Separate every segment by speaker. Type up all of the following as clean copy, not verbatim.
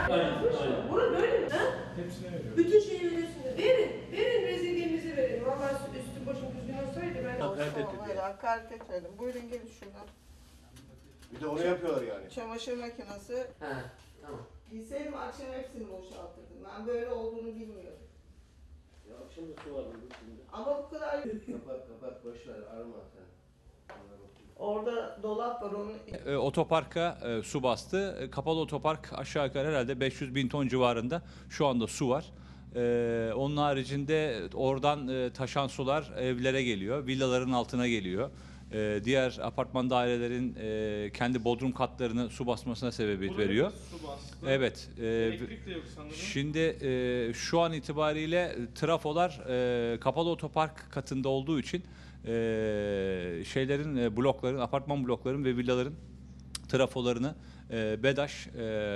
Speaker 1: Aynen. Bunu böyle mi? Ha?
Speaker 2: Hepsine veriyorum.
Speaker 1: Bütün şeyi veriyorsunuz. Verin rezilliğimizi verin. Vallahi üstüm başım düzgün olsaydı ben...
Speaker 3: Hakaret etmedim. Buyurun gelin şuradan.
Speaker 4: Bir de onu yapıyorlar yani.
Speaker 3: Çamaşır makinesi.
Speaker 1: He, tamam.
Speaker 3: Bilseydim akşam hepsini boşaltırdım. Ben böyle olduğunu bilmiyordum.
Speaker 4: Ya akşam da su var burada şimdi.
Speaker 3: Ama bu kadar...
Speaker 4: Kapat boş ver arama sen.
Speaker 3: Orada dolap var onun...
Speaker 5: Otoparka su bastı. Kapalı otopark aşağı yukarı herhalde 500 bin ton civarında şu anda su var. Onun haricinde oradan taşan sular evlere geliyor, villaların altına geliyor. Diğer apartman dairelerin kendi bodrum katlarını su basmasına sebebiyet
Speaker 2: Burada
Speaker 5: veriyor.
Speaker 2: su bastı.
Speaker 5: Evet.
Speaker 2: Elektrik de yok sanırım.
Speaker 5: Şimdi şu an itibariyle trafolar kapalı otopark katında olduğu için şeylerin blokların, apartman blokların ve villaların trafolarını BEDAŞ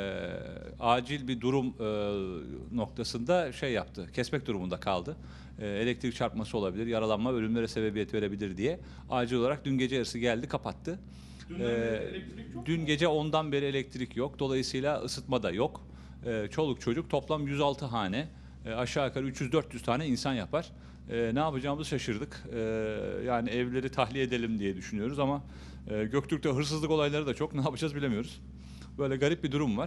Speaker 5: acil bir durum noktasında şey yaptı, kesmek durumunda kaldı. Elektrik çarpması olabilir, yaralanma, ölümlere sebebiyet verebilir diye acil olarak dün gece yarısı geldi, kapattı.
Speaker 2: Elektrik yok
Speaker 5: Dün
Speaker 2: mu?
Speaker 5: gece 10'dan beri elektrik yok, dolayısıyla ısıtma da yok. Çoluk çocuk toplam 106 hane, aşağı yukarı 300-400 tane insan yapar. Ne yapacağımızı şaşırdık. Yani evleri tahliye edelim diye düşünüyoruz ama Göktürk'te hırsızlık olayları da çok. Ne yapacağız bilemiyoruz. Böyle garip bir durum var.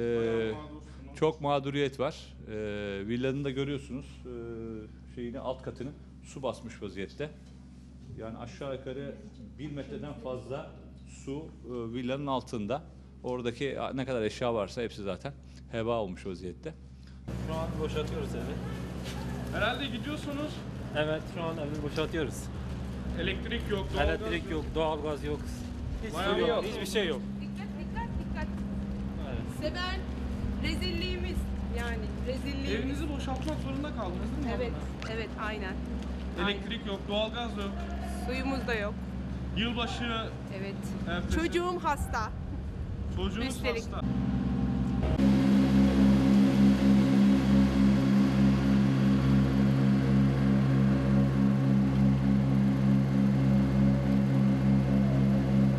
Speaker 5: Çok mağduriyet var. Villanın da görüyorsunuz şeyini, alt katını su basmış vaziyette. Yani aşağı yukarı 1 metreden fazla su villanın altında. Oradaki ne kadar eşya varsa hepsi zaten heba olmuş vaziyette.
Speaker 6: Şu an boşaltıyoruz evi.
Speaker 2: Herhalde gidiyorsunuz.
Speaker 6: Evet, şu an evi boşaltıyoruz.
Speaker 2: Elektrik yok, doğalgaz
Speaker 6: Elektrik yok, doğalgaz yok.
Speaker 2: Bayağı
Speaker 6: Hiçbir yok,
Speaker 2: yok.
Speaker 6: hiçbir şey yok.
Speaker 7: Dikkat.
Speaker 6: Evet.
Speaker 7: Seven rezilliğimiz yani rezilliğimiz.
Speaker 2: Evinizi boşaltmak zorunda kaldınız değil mi?
Speaker 7: Evet,
Speaker 2: hanımefendi?
Speaker 7: evet aynen.
Speaker 2: Elektrik yok, doğalgaz yok.
Speaker 7: Suyumuz da yok.
Speaker 2: Yılbaşı
Speaker 7: Evet.
Speaker 2: ertesi.
Speaker 7: Çocuğum hasta.
Speaker 2: Çocuğunuz
Speaker 7: Üstelik.
Speaker 2: hasta.